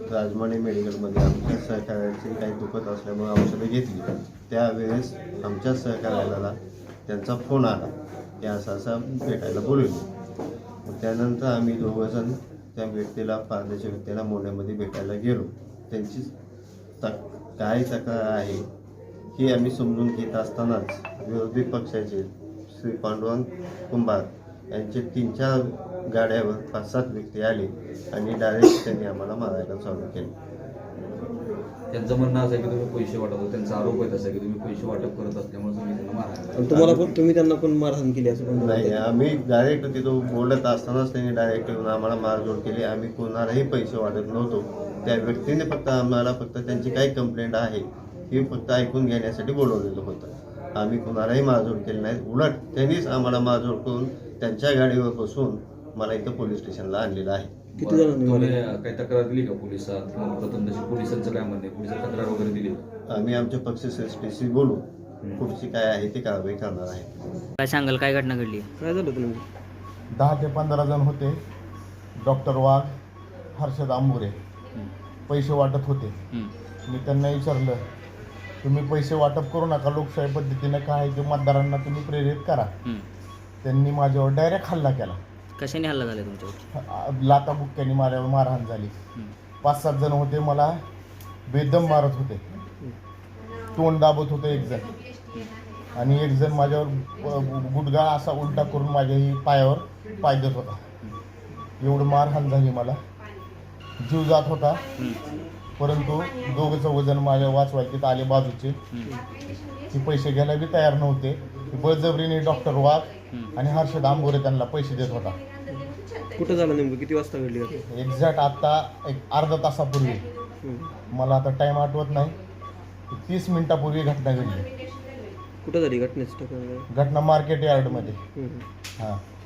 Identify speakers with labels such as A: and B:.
A: राजमाने मेडिकलमध्ये आमच्या सहकार्याची काही दुखत असल्यामुळे औषधं घेतली. त्यावेळेस आमच्या सहकार्याला त्यांचा फोन आला की असं भेटायला बोलवले. त्यानंतर आम्ही दोघंजण त्या व्यक्तीला पारदेच्या व्यक्तीला मोंढ्यामध्ये भेटायला गेलो. त्यांची काय तक्रार आहे ही आम्ही समजून घेत असतानाच विरोधी पक्षाचे श्री पांडुरंग कुंभार यांचे 3-4 गाड्यावर 5-7 व्यक्ती आले आणि डायरेक्ट त्यांनी आम्हाला मारायला चालू केले.
B: त्यांचं म्हणणं असं आहे की तुम्ही पैसे वाटप, त्यांचा आरोप आहे तसा की तुम्ही पैसे वाटप करत असल्यामुळे तुम्ही त्यांना मारायला.
C: तुम्हाला पण तुम्ही त्यांना पण मारहाण केली असं पण
A: नाही, आम्ही डायरेक्ट तिथं बोलत असतानाच त्यांनी डायरेक्ट येऊन आम्हाला मारझोड केली. आम्ही कोणालाही पैसे वाटत नव्हतो. त्या व्यक्तीने फक्त त्यांची काय कंप्लेंट आहे ही फक्त ऐकून घेण्यासाठी बोलवलेलं होतं. आम्ही कोणालाही मारझोड केली नाही. उलट त्यांनीच आम्हाला मारझोड करून त्यांच्या गाडीवर बसून मला इथं पोलीस स्टेशनला आणलेलं आहे.
C: किती जणांनी
B: तुम्ही काही तक्रार दिली का पोलिसात किंवा प्रथम तशी पोलिसांचं काय म्हणणे, पोलिसांनी तक्रार वगैरे दिली?
A: आम्ही आमच्या पक्ष श्रेष्ठीशी बोलू पुढची काय आहे ती कारवाई करणार आहे.
D: काय सांगाल, काय घटना घडली?
C: काय झालं तुम्ही?
E: 10 ते 15 जण होते. डॉक्टर वाघ, हर्षद आंबुरे पैसे वाटत होते. मी त्यांना विचारलं, तुम्ही पैसे वाटप करू नका, लोकशाही पद्धतीनं काय आहे ते मतदारांना तुम्ही प्रेरित करा. त्यांनी माझ्यावर डायरेक्ट हल्ला केला.
D: कशाने हल्ला झाला तुमच्यावर?
E: लाथाबुक्क्यांनी माझ्यावर मारहाण झाली. 5-7 जण होते, मला बेदम मारत होते, तोंड दाबत होतं एक जण, आणि एक जण माझ्यावर गुडघा असा उलटा करून माझ्याही पायावर पाय देत होता. एवढं मारहाण झाली, मला जीव जात होता. परंतु दोघंचं वजन माझ्या वाचवायचे आले बाजूचे. ते पैसे घ्यायला बी तयार नव्हते. बळजबरीने डॉक्टर वाघ आणि हर्षद आंबोरे त्यांना पैसे देत होता.
C: कुठं झालं नेमकं? किती वाजता घडली?
E: एक्झॅक्ट आत्ता एक अर्धा तासापूर्वी, मला आता टाईम आठवत नाही, 30 मिनिटापूर्वी घटना घडली.
C: कुठं झाली घटनेचं ठिकाण?
E: घटना मार्केट यार्डमध्ये. हां.